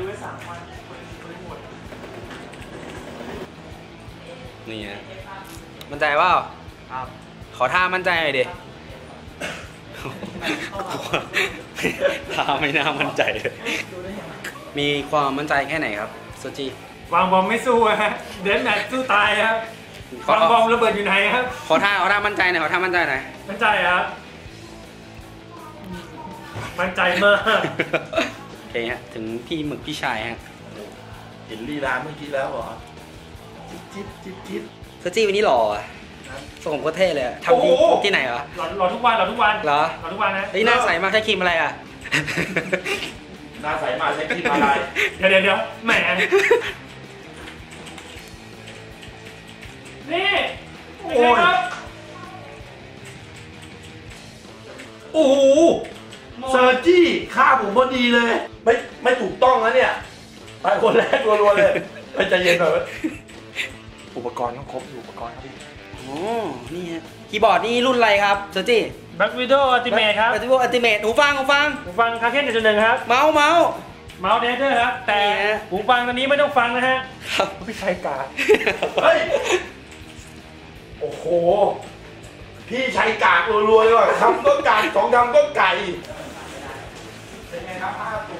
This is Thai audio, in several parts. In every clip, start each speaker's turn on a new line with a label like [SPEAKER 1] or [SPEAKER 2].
[SPEAKER 1] ไว้3 วันไม่หมด
[SPEAKER 2] นี่ฮะมั่นใจเปล่าครับขอท่ามั่นใจหน่อยดิท่าไม่น่ามั่นใจเลยมีความมั่นใจแค่ไหนครับโซจิ
[SPEAKER 1] วางบอมไม่สู้ฮะเดนแมทสู้ตายครับวางบอมระเบิดอยู่ไหนครับ
[SPEAKER 2] ขอท่ามั่นใจหน่อยขอท่ามั่นใจหน่อย
[SPEAKER 1] มั่นใจครับมั่นใจมาก
[SPEAKER 2] โอเคฮะถึงพี่หมึกพี่ชายฮะ
[SPEAKER 3] เห็นลีลาเมื่อกี้แล้วเหรอจิ๊บ
[SPEAKER 2] โซจิวันนี้หล่อส่งโคตรเท่เลยทำที่ไหนเหรอ
[SPEAKER 1] หล่อทุกวันเหรอทุกวันนะ
[SPEAKER 2] เฮ้ยหน้าใสมากใช้ครีมอะไรอ่ะ
[SPEAKER 3] หน้าใสมาใช้ครีมอะไร
[SPEAKER 1] เดี๋ยวแหมนี่โอ้ย
[SPEAKER 3] โอ้โหเซอร์จี้ฆ่าผมพอดีเลยไม่ถูกต้องนะเนี่ยไปคนแรกรัวๆเลยไปใจเย็นหน่อยอุปกรณ์ต้องครบอุปกรณ์ครับพี่
[SPEAKER 2] โอ้นี่ฮะคีย์บอร์ดนี่รุ่นอะไรครับเซอร์จี้
[SPEAKER 1] แบ็ควิดโออัลติเมทครับ
[SPEAKER 2] แบ็ควิดโออัลติเมทหูฟัง
[SPEAKER 1] คาเคน1.1ครับ
[SPEAKER 2] เมาส์
[SPEAKER 1] เดเดอร์ครับแต่หูฟังตอนนี้ไม่ต้องฟังนะฮะ
[SPEAKER 2] ครับ
[SPEAKER 3] พี่ชายกาเฮ้ยโอ้โหพี่ชายกากรัวๆเลยว่ะทำก็ไก่2ทำก็ไก่เป็นไงครับ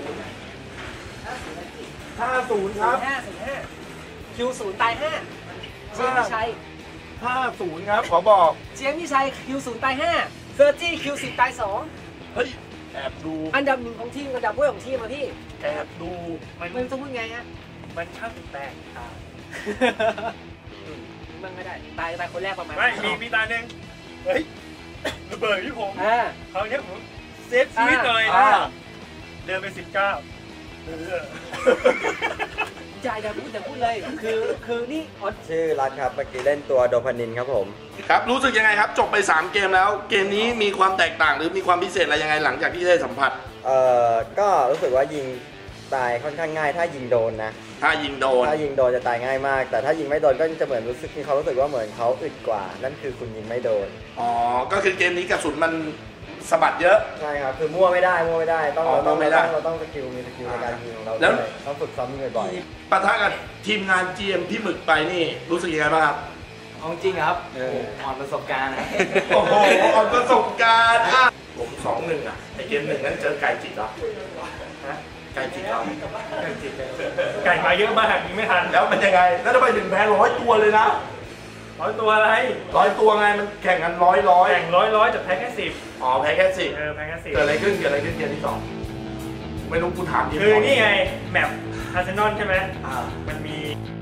[SPEAKER 3] 50ครับ
[SPEAKER 4] Q0 ตาย5เจียงพี่ชัย
[SPEAKER 3] 50ครับขอบอก
[SPEAKER 4] เจียงพี่ชัย Q0 ตาย5เซอร์จี้ Q10 ตาย2
[SPEAKER 3] เฮ้ยแอบดู
[SPEAKER 4] อันดับ1ของทีมอันดับด้วยของทีมมาพี่
[SPEAKER 3] แอบดู
[SPEAKER 4] มันต้องพูดไงฮะ
[SPEAKER 1] มันช่างแตกต่าง
[SPEAKER 4] มันไม่ได้ตายคนแรกประมาณ
[SPEAKER 1] ไม่มีตาหนึ่งเฮ้ยระเบิดที่ผมเขาเนี้ยผมเซฟชีวิตเลยเดินไป19
[SPEAKER 4] ใจจะพูดเลยคือนี่
[SPEAKER 5] ชื่อรัฐครับเมื่อกี้เล่นตัวโดพานินครับผม
[SPEAKER 3] ครับรู้สึกยังไงครับจบไป3เกมแล้วเกมนี้มีความแตกต่างหรือมีความพิเศษอะไรยังไงหลังจากที่ได้สัมผัส
[SPEAKER 5] ก็รู้สึกว่ายิงตายค่อนข้างง่ายถ้ายิงโดนนะ
[SPEAKER 3] ถ้ายิงโดน
[SPEAKER 5] จะตายง่ายมากแต่ถ้ายิงไม่โดนก็จะเหมือนรู้สึกว่าเหมือนเขาอึดกว่านั่นคือคุณยิงไม่โดน
[SPEAKER 3] ก็คือเกมนี้กระสุนมันสะบัดเยอะ
[SPEAKER 5] ใช่ครับคือมั่วไม่ได้เราต้องสกิลมีสกิลในการยิงของเราแล้วต้องฝึกซ้อมบ่อย
[SPEAKER 3] ๆปะทะกับทีมงาน GM พี่หมึกไปนี่รู้สึกยังไงบ้างครับ
[SPEAKER 2] จริงครับอ่อนประสบการณ์นะ
[SPEAKER 3] โอ้โหอ่อนประสบการณ์ผม2-1ไอเกม1นั้นเจอไก่จิตเหรอไก่จิตเรา
[SPEAKER 1] ไก่มาเยอะมากยิงไม่ทัน
[SPEAKER 3] แล้วมันยังไงแล้วทำไมถึงแพ้100 ตัวเลยนะ
[SPEAKER 1] 100 ตัวอะไร
[SPEAKER 3] 100 ตัวไงมันแข่งกัน100
[SPEAKER 1] แข่ง100แต่แพ้แค่10
[SPEAKER 3] แพ้แค่10
[SPEAKER 1] แพ้แค่10
[SPEAKER 3] เกิดอะไรขึ้นเกมที่2ไม่รู้กูถาม
[SPEAKER 1] คือนี่ไงแมปอาร์เซนอลใช่ไหมมันมี